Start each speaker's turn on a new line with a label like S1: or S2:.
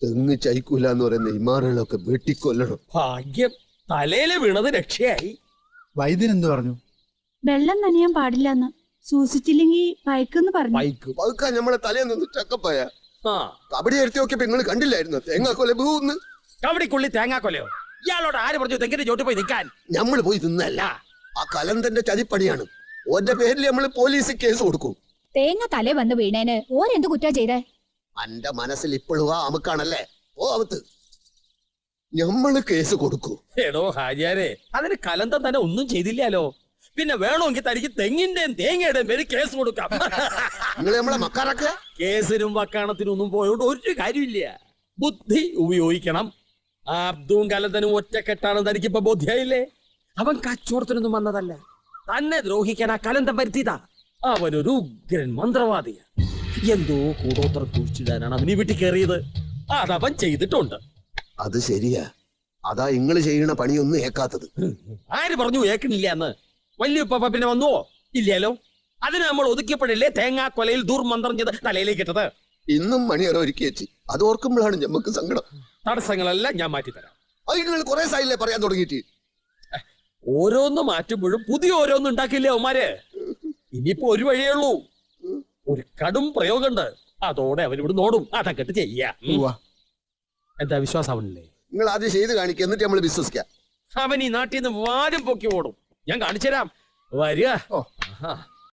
S1: തെങ്ങ് ചൈക്കൂല എന്ന് പറയുന്ന ഇമാറുകളൊക്കെ വെട്ടിക്കൊല്ലണം.
S2: ഭാഗ്യം, തലയില് വീണത് രക്ഷയായി.
S3: വൈദ്യൻ എന്ത് പറഞ്ഞു?
S4: വെള്ളം നനയാൻ പാടില്ലെന്ന്, സൂക്ഷിച്ചില്ലെങ്കിൽ പയക്കെന്ന് പറഞ്ഞു.
S1: പതുക്കാൻ നമ്മളെ തലയിൽ നിന്ന് ചക്കപ്പായ കബഡി എടുത്തി നോക്കിയപ്പോ നിങ്ങൾ കണ്ടില്ലായിരുന്നു തേങ്ങാക്കൊല ബൂന്ന്.
S2: കബഡിക്കുള്ളി തേങ്ങാക്കൊലയോ? ഇയാളോട് ആര് പറഞ്ഞു തെങ്ങിന്റെ ചോട്ട് പോയി നിൽക്കാൻ?
S1: നമ്മൾ പോയി തിന്നല്ല, ആ കലന്തന്റെ ചതിപ്പണിയാണ്. ഓന്റെ പേരിൽ നമ്മള് പോലീസ് കേസ് കൊടുക്കും.
S5: തേങ്ങ തലേ വന്ന് വീണേന് ഓരെന്ത് കുറ്റാ ചെയ്തേ?
S1: അന്റെ മനസ്സിൽ ഇപ്പോഴും ആ അമുക്കാണല്ലേ? ഓ അവത്ത് ഞമ്മള് കേസ് കൊടുക്കൂ.
S2: എടോ ഹാജിയാരെ, അതിന് കലന്തം തന്നെ ഒന്നും ചെയ്തില്ലല്ലോ. പിന്നെ വേണമെങ്കിൽ തനിക്ക് തെങ്ങിന്റെയും തേങ്ങയുടെയും പേര് കേസ് കൊടുക്കാം.
S1: നിങ്ങൾ നമ്മളെ മക്കാറൊക്കെ
S2: കേസിനും വക്കാണത്തിനും ഒന്നും പോയോണ്ട് ഒരു കാര്യമില്ല. ബുദ്ധി ഉപയോഗിക്കണം. അബ്ദും കലന്തനും ഒറ്റക്കെട്ടാണ് തനിക്കിപ്പോ ബോധ്യായില്ലേ? അവൻ കച്ചവടത്തിനൊന്നും വന്നതല്ല, തന്നെ ദ്രോഹിക്കാൻ ആ കലന്തം വരുത്തിയതാ. അവനൊരു ഉഗ്രൻ മന്ത്രവാദിയ. എന്തോ കൂടോത്രം കുഴിച്ചിടാനാണ് അവന് വീട്ടിൽ കയറിയത്. അതവൻ ചെയ്തിട്ടുണ്ട്.
S1: അത് ശരിയാ. അതാ ഇങ്ങള് ചെയ്യണ പണിയൊന്നും ഏക്കാത്തത്.
S2: ആര് പറഞ്ഞു ഏക്കണില്ല എന്ന്? വല്യുപ്പ പിന്നെ വന്നുവോ? ഇല്ലല്ലോ. അതിന് നമ്മൾ ഒതുക്കിയപ്പോഴല്ലേ തേങ്ങാക്കൊലയിൽ ദുർമന്ത്രം ചെയ്ത് തലയിലേക്ക് ഇട്ടത്.
S1: ഇന്നും മണിയറ ഒരുക്കി വെച്ച് അത് ഓർക്കുമ്പോഴാണ് ഞമ്മക്ക് സങ്കടം.
S2: തടസ്സങ്ങളെല്ലാം ഞാൻ മാറ്റിത്തരാം.
S1: അത് നിങ്ങൾ കുറെ സായില്ലേ പറയാൻ തുടങ്ങിയിട്ട്.
S2: ഓരോന്ന് മാറ്റുമ്പോഴും പുതിയ ഓരോന്നും ഉണ്ടാക്കില്ലേ അവന്മാര്. ഇനിയിപ്പോ ഒരു വഴിയേ ഉള്ളൂ. ഒരു കടും പ്രയോഗമുണ്ട്. അതോടെ അവരിവിടെ നോടും. അതൊക്കെ ചെയ്യാ. എന്താ വിശ്വാസം അവനില്ലേ?
S1: നിങ്ങൾ ആദ്യം ചെയ്ത് കാണിക്കുക, എന്നിട്ട് നമ്മൾ വിശ്വസിക്കാം.
S2: അവൻ ഈ നാട്ടിൽ നിന്ന് വാരും പൊക്കി ഓടും. ഞാൻ കാണിച്ചു തരാം. വരിക.